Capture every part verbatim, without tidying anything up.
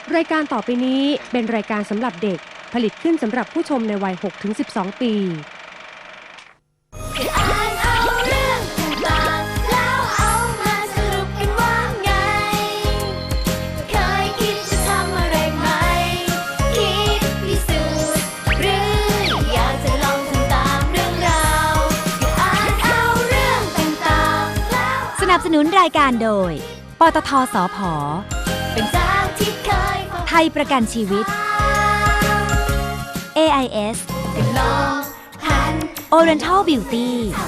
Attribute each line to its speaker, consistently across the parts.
Speaker 1: รายการต่อไปนี้เป็นรายการสำหรับเด็กผลิตขึ้นสำหรับผู้ชมในวัย หกถึงสิบสอง ปี
Speaker 2: สนับสนุนรายการโดยปตท.สผ.ไทยประกันชีวิต เอ ไอ เอส Oriental Beauty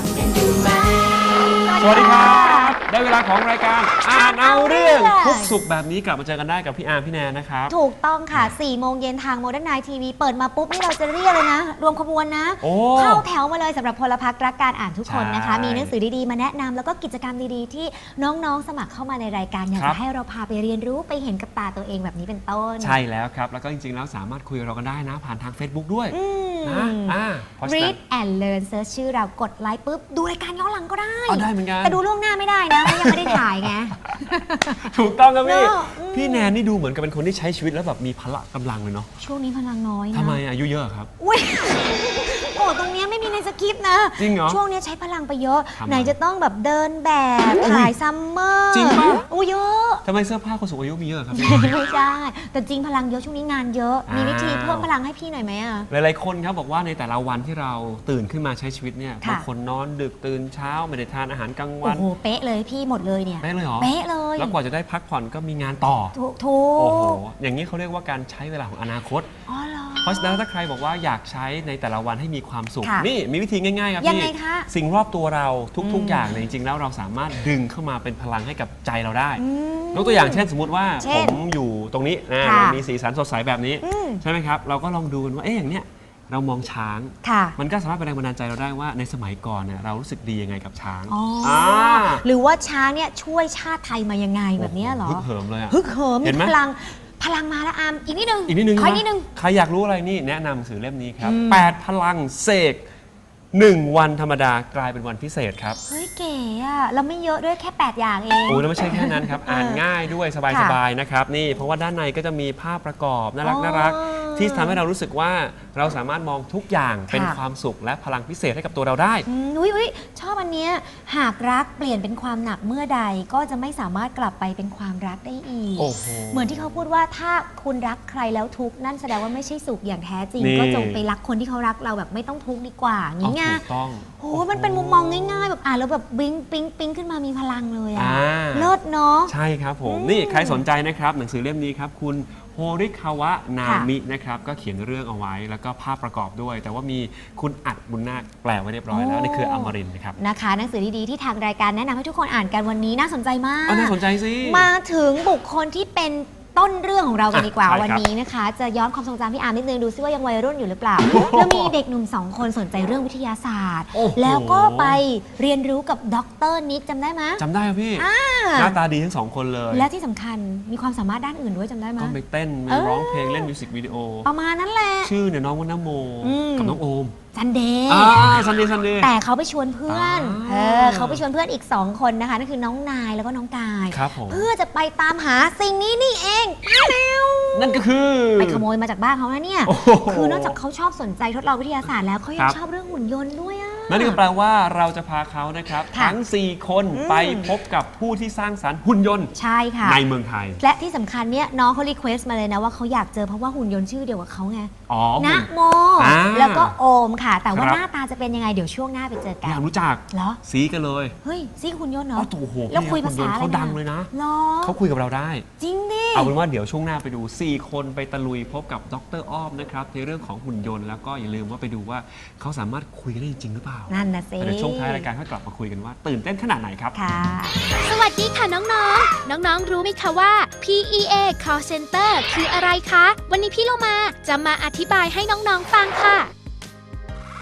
Speaker 3: สวัสดีครับได้เวลาของรายการอ่านเอาเรื่องทุกสุขแบบนี้กลับมาเจอกันได้กับพี่อาร์มพี่แนนนะครับ
Speaker 2: ถูกต้องค่ะสี่โมงเย็นทาง Modern Night ที วี เปิดมาปุ๊บนี่เราจะเรียกเลยนะรวมขบวนนะเข้าแถวมาเลยสำหรับพลพรรครักการอ่านทุกคนนะคะมีหนังสือดีๆมาแนะนำแล้วก็กิจกรรมดีๆที่น้องๆสมัครเข้ามาในรายการอยากจะให้เราพาไปเรียนรู้ไปเห็นกับตาตัวเองแบบนี้เป็นต้น
Speaker 3: ใช่แล้วครับแล้วก็จริงๆแล้วสามารถคุยกับเรากันได้นะผ่านทาง Facebook ด้วยนะอ่า
Speaker 2: Read and Learn เซิร์ชชื่อเรากดไลค์ปุ๊บดูรายการย้อนหลังก็ได้
Speaker 3: เอาได้เหมือนกัน
Speaker 2: แต่ดูล่วงหน้าไม่ได้นะเพราะยังไม่ได้ถ่ายไง
Speaker 3: ถูกต้องครับพี่พี่แนนนี่ดูเหมือนกับเป็นคนที่ใช้ชีวิตแล้วแบบมีพละกำลังเลยเนาะ
Speaker 2: ช่วงนี้พลังน้อยนะ
Speaker 3: ทำไมอายุเยอะครับ
Speaker 2: อุ้ยโอ้ตรงนี้ไม่มีในสคริปต์นะ
Speaker 3: จริงเหรอ
Speaker 2: ช่วงนี้ใช้พลังไปเยอะไหนจะต้องแบบเดินแบบถ่ายซัมเมอร์
Speaker 3: จริงป่ะ
Speaker 2: อู้เยอะ
Speaker 3: ทำไมเสื้อผ้าคนสูงอายุมีเยอะครับ
Speaker 2: ไม่ใช่แต่จริงพลังเยอะช่วงนี้งานเยอะมีวิธีเพิ่มพลังให้พี่หน่อยไหมอ่ะ
Speaker 3: หลายๆคนครับบอกว่าในแต่ละวันที่เราตื่นขึ้นมาใช้ชีวิตเนี่ยบางคนนอนดึกตื่นเช้าไม่ได้ทานอาหารกลางวัน
Speaker 2: โอ้โหเป๊ะเลยพี่หมดเลยเนี่ย
Speaker 3: เป๊ะเลยเหรอ
Speaker 2: เป๊ะเลย
Speaker 3: แล้วกว่าจะได้พักผ่อนก็มีงานต่อ
Speaker 2: ถูกถูก
Speaker 3: โอ้โหอย่างนี้เขาเรียกว่าการใช้เวลาของอนาคต
Speaker 2: อ๋อเหรอ
Speaker 3: เพราะฉะนั้นถ้าใครบอกว่าอยากใช้ในแต่ละวันให้มีความสุขนี่มีวิธีง่ายๆครับพี่สิ่งรอบตัวเราทุกๆอย่างเนี่ยจริงๆแล้วเราสามารถดึงเข้ามาเป็นพลังให้กับใจเราได้ยกตัวอย่างเช่นสมมุติว่าผมอยู่ตรงนี้นะมีสีสันสดใสแบบนี้ใช่ไหมครับเราก็ลองดูกันว่าเอ๊ะอย่างเนี้ยเรามองช้างมันก็สามารถเป็นแรงบันดาลใจเราได้ว่าในสมัยก่อนเนี่ยเรารู้สึกดียังไงกับช้าง
Speaker 2: หรือว่าช้างเนี่ยช่วยชาติไทยมายังไงแบบนี้เหรอ
Speaker 3: ฮึกเหิมเลยอะ
Speaker 2: ฮึกเหิมมีพลังพลังมาแล้วอามอีกนิดนึง
Speaker 3: อีกนิดนึง
Speaker 2: คอยนิดนึง
Speaker 3: ใครอยากรู้อะไรนี่แนะนำหนังสือเล่มนี้ครับแปดพลังเสกหนึ่งวันธรรมดากลายเป็นวันพิเศษครับ
Speaker 2: เฮ้ยเก๋อะเราไม่เยอะด้วยแค่แปดอย่างเอง
Speaker 3: โอ้แล้วไม่ใช่แค่นั้นครับอ่านง่ายด้วยสบายๆนะครับนี่เพราะว่าด้านในก็จะมีภาพประกอบน่ารักน่ารักที่ทำให้เรารู้สึกว่าเราสามารถมองทุกอย่างเป็นความสุขและพลังพิเศษให้กับตัวเราได้
Speaker 2: อุ้ยอุ้ยชอบอันเนี้ยหากรักเปลี่ยนเป็นความหนักเมื่อใดก็จะไม่สามารถกลับไปเป็นความรักได้อีกเหมือนที่เขาพูดว่าถ้าคุณรักใครแล้วทุกข์นั่นแสดงว่าไม่ใช่สุขอย่างแท้จริงก็จงไปรักคนที่เขารักเราแบบไม่ต้องทุกข์ดีกว่าอย่างงี้ไงโอ้มันเป็นมุมมองง่ายๆแบบอ่านแล้วแบบบิ้งปิ๊งปิ๊งขึ้นมามีพลังเลยอ่ะเลิศเนาะ
Speaker 3: ใช่ครับผมนี่ใครสนใจนะครับหนังสือเล่มนี้ครับคุณโฮริคาวะนามินะครับก็เขียนเรื่องเอาไว้แล้วก็ภาพประกอบด้วยแต่ว่ามีคุณอัดบุญนาคแปลไว้เรียบร้อยแล้วในเครืออมรินทร์นะครับ
Speaker 2: นะคะหนังสือดีๆที่ทางรายการแนะนำให้ทุกคนอ่านกันวันนี้น่าสนใจมาก
Speaker 3: น่าสนใจสิ
Speaker 2: มาถึงบุคคลที่เป็นต้นเรื่องของเรากันดีกว่าวันนี้นะคะจะย้อนความทรงจำพี่อาร์มนิดนึงดูซิว่ายังวัยรุ่นอยู่หรือเปล่าแล้วมีเด็กหนุ่มสองคนสนใจเรื่องวิทยาศาสตร์แล้วก็ไปเรียนรู้กับดร.นิกจำได้ไหม
Speaker 3: จำได้ครับพี่หน้าตาดีทั้งสองคนเลย
Speaker 2: และที่สำคัญมีความสามารถด้านอื่นด้วยจำได้ไหม
Speaker 3: ก็ไปเต้นไปร้องเพลงเล่นมิวสิกวิดีโอ
Speaker 2: ประมาณนั้นแหละ
Speaker 3: ชื่อเนี่ยน้องนโมกับน้องโอม
Speaker 2: ซันเดย์
Speaker 3: ซันเดย์ซันเดย์
Speaker 2: แต่เขาไปชวนเพื่อนเออเขาไปชวนเพื่อนอีกสองคนนะคะนั่นคือน้องนายแล้วก็น้องกายเพื่อจะไปตามหาสิ่งนี้นี่เอง
Speaker 3: นั่นก็คือ
Speaker 2: ไปขโมยมาจากบ้านเขานะเนี่ยคือนอกจากเขาชอบสนใจทดลองวิทยาศาสตร์แล้วเขายังชอบเรื่องหุ่นยนต์ด้วยอ่ะ
Speaker 3: นั่นก็แปลว่าเราจะพาเขานะครับทั้งสี่คนไปพบกับผู้ที่สร้างสรรค์หุ่นยนต์
Speaker 2: ใช่ค่ะ
Speaker 3: ในเมืองไทย
Speaker 2: และที่สำคัญเนี่ยน้องเขารีเควสต์มาเลยนะว่าเขาอยากเจอเพราะว่าหุ่นยนต์ชื่อเดียวกับเขาไงนะโมแล้วก็โอมค่ะแต่ว่าหน้าตาจะเป็นยังไงเดี๋ยวช่วงหน้าไปเจอกัน
Speaker 3: อยากรู้จัก
Speaker 2: เหรอ
Speaker 3: ซีกันเลย
Speaker 2: เฮ้ยซีหุ่นยนต์เนาะ
Speaker 3: โอ้โห
Speaker 2: แล้วคุยภาษาอะไร
Speaker 3: เขาดังเลยนะเขาคุยกับเราได้
Speaker 2: จริงดิ
Speaker 3: เอาเป็นว่าเดี๋ยวช่วงหน้าไปดูสี่คนไปตะลุยพบกับดร.อ้อมนะครับในเรื่องของหุ่นยนต์แล้วก็อย่าลืมว่าไปดูว่าเขาสามารถคุยกันได้จริงหรือเปล่า
Speaker 2: นั่นนะสิ
Speaker 3: เดี๋ยวช่วงท้ายรายการค่อยกลับมาคุยกันว่าตื่นเต้นขนาดไหนครับ
Speaker 2: ค่ะ
Speaker 4: สวัสดีค่ะน้องๆน้องๆรู้ไหมคะว่า พี อี เอ Call Center คืออะไรคะวันนี้พี่โลมาจะมาอธิบายให้น้องๆฟังค่ะ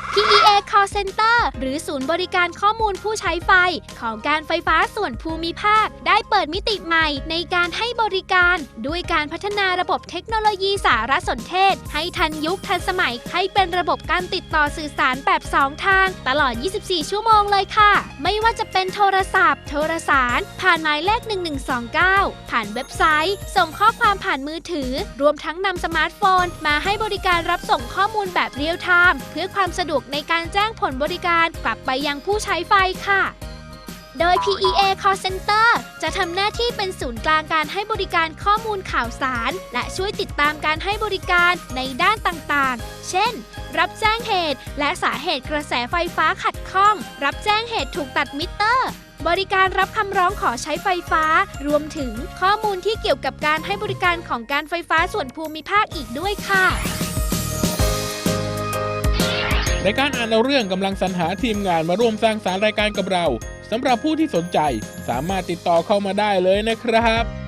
Speaker 4: พี อี เอ Call Center หรือศูนย์บริการข้อมูลผู้ใช้ไฟของการไฟฟ้าส่วนภูมิภาคได้เปิดมิติใหม่ในการให้บริการด้วยการพัฒนาระบบเทคโนโลยีสารสนเทศให้ทันยุคทันสมัยให้เป็นระบบการติดต่อสื่อสารแบบสองทางตลอด ยี่สิบสี่ ชั่วโมงเลยค่ะไม่ว่าจะเป็นโทรศัพท์โทรสารผ่านหมายเลขหนึ่งหนึ่งสองเก้าผ่านเว็บไซต์ส่งข้อความผ่านมือถือรวมทั้งนำสมาร์ทโฟนมาให้บริการรับส่งข้อมูลแบบเรียลไทม์เพื่อความสะดวกในการแจ้งผลบริการกลับไปยังผู้ใช้ไฟค่ะโดย พี อี เอ Call Center จะทำหน้าที่เป็นศูนย์กลางการให้บริการข้อมูลข่าวสารและช่วยติดตามการให้บริการในด้านต่างๆ เช่น รับแจ้งเหตุและสาเหตุกระแสไฟฟ้าขัดข้องรับแจ้งเหตุถูกตัดมิเตอร์บริการรับคำร้องขอใช้ไฟฟ้ารวมถึงข้อมูลที่เกี่ยวกับการให้บริการของการไฟฟ้าส่วนภูมิภาคอีกด้วยค่ะ
Speaker 5: ในการอ่านเอาเรื่องกำลังสรรหาทีมงานมาร่วมสร้างสรรค์รายการกับเราสำหรับผู้ที่สนใจสามารถติดต่อเข้ามาได้เลยนะครับ